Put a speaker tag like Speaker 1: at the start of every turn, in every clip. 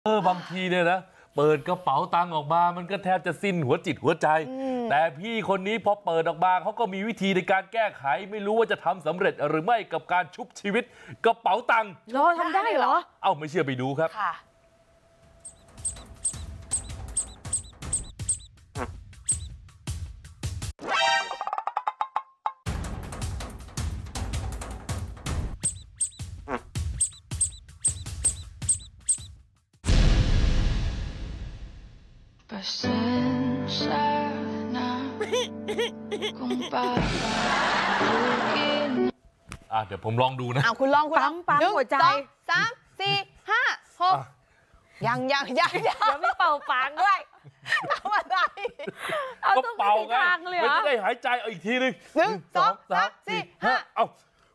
Speaker 1: บางทีเนี่ยนะเปิดกระเป๋าตังค์ออกมามันก็แทบจะสิ้นหัวจิตหัวใจแต่พี่คนนี้พอเปิดออกมาเขาก็มีวิธีในการแก้ไขไม่รู้ว่าจะทำสำเร็จหรือไม่กับการชุบชีวิตกระเป๋าตังค์
Speaker 2: ทำได้เหรอ
Speaker 1: เอ้าไม่เชื่อไปดูครับ
Speaker 3: Pasensya na kung papapagin
Speaker 1: เดี๋ยวผมลองดูนะ
Speaker 4: คุณลอง
Speaker 2: ปั๊มหัวใจ
Speaker 4: 1 2 3 4 5 6ยัง
Speaker 2: ไม่เป่าปากด้วย
Speaker 4: ทำอะไร
Speaker 1: ก็เป่าไงไม่ได้หายใจเอาอีกทีนึง
Speaker 4: 1 2 3 4 5
Speaker 1: เอา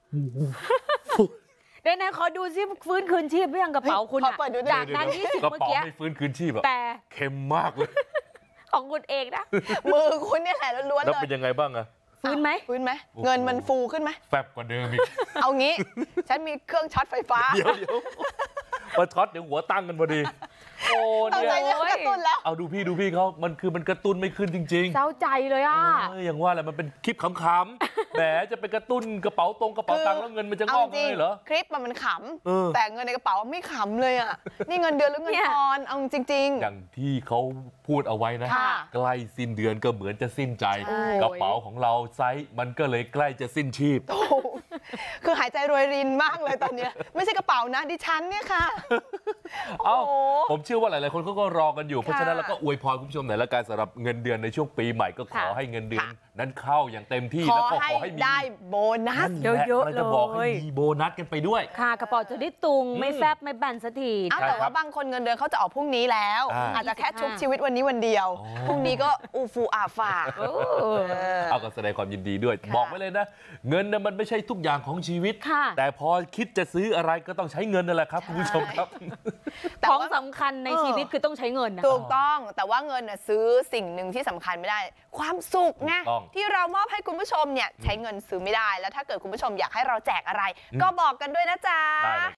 Speaker 2: เดี๋ยวนะขอดูซิฟื้นคืนชีพหรือยังกระเป๋าคุณจากนั้น20
Speaker 1: เมื่อกี้ไม่ฟื้นคืนชีพ
Speaker 2: แต่
Speaker 1: เค็มมากเลย
Speaker 2: ของคุณเองนะ
Speaker 4: มือคุณเนี่ยแหละล้วนๆเลย
Speaker 1: แล้วเป็นยังไงบ้างอะ
Speaker 2: ฟื้นไหม
Speaker 4: เงินมันฟูขึ้นไหม
Speaker 1: แฟบกว่าเดิมอีก
Speaker 4: เอางี้ฉันมีเครื่องช็อตไฟฟ้า
Speaker 1: เดี๋ยวมาช็อตเดี๋ยวหัวตั้งกันพอดีโอ้
Speaker 4: เนี่ยกระตุ้นแล้ว
Speaker 1: เอาดูพี่เขามันกระตุ้นไม่ขึ้นจริงๆ
Speaker 2: เศร้าใจเลย
Speaker 1: อย่างว่าแหละมันเป็นคลิปขำๆแหมจะไปกระตุ้นกระเป๋าตังค์แล้วเงินมันจะงอกเลยเหรอ
Speaker 4: คลิปมันขำแต่เงินในกระเป๋าไม่ขำเลยอ่ะนี่เงินเดือนหรือเงินทอนเอาจริงๆ
Speaker 1: อย่างที่เขาพูดเอาไว้นะใกล้สิ้นเดือนก็เหมือนจะสิ้นใจกระเป๋าของเราไซส์มันก็เลยใกล้จะสิ้นชีพ
Speaker 4: คือหายใจรวยรินมากเลยตอนนี้ไม่ใช่กระเป๋านะดิฉันเนี่ยค่ะ
Speaker 1: ผมเชื่อว่าหลายๆคนเขาก็รอกันอยู่เพราะฉะนั้นเราก็อวยพรคุณผู้ชมหน่อยละกันสำหรับเงินเดือนในช่วงปีใหม่ก็ขอให้เงินเดือนนั้นเข้าอย่างเต็มที่แล้วก็ขอให้
Speaker 4: ได้โบนัส
Speaker 2: เยอะๆเลย
Speaker 1: จะบอกให้มีโบนัสกันไปด้วย
Speaker 2: ค่ะกระเป๋าจะได้ตุงไม่แฟบไม่แบนสักที
Speaker 4: แต่ว่าบางคนเงินเดือนเขาจะออกพรุ่งนี้แล้วอาจจะแค่ชุบชีวิตวันนี้วันเดียวพรุ่งนี้ก็อูฟูอาฝา
Speaker 1: เอาก็แสดงความยินดีด้วยบอกไว้เลยนะเงินมันไม่ใช่ทุกอย่างของชีวิตแต่พอคิดจะซื้ออะไรก็ต้องใช้เงินนั่นแหละครับคุณผู้ชมครับ
Speaker 2: ของสำคัญในชีวิตคือต้องใช้เงินนะ
Speaker 4: ถูกต้องแต่ว่าเงินซื้อสิ่งหนึ่งที่สำคัญไม่ได้ความสุขไงที่เรามอบให้คุณผู้ชมเนี่ยใช้เงินซื้อไม่ได้แล้วถ้าเกิดคุณผู้ชมอยากให้เราแจกอะไรก็บอกกันด้วยนะจ๊ะ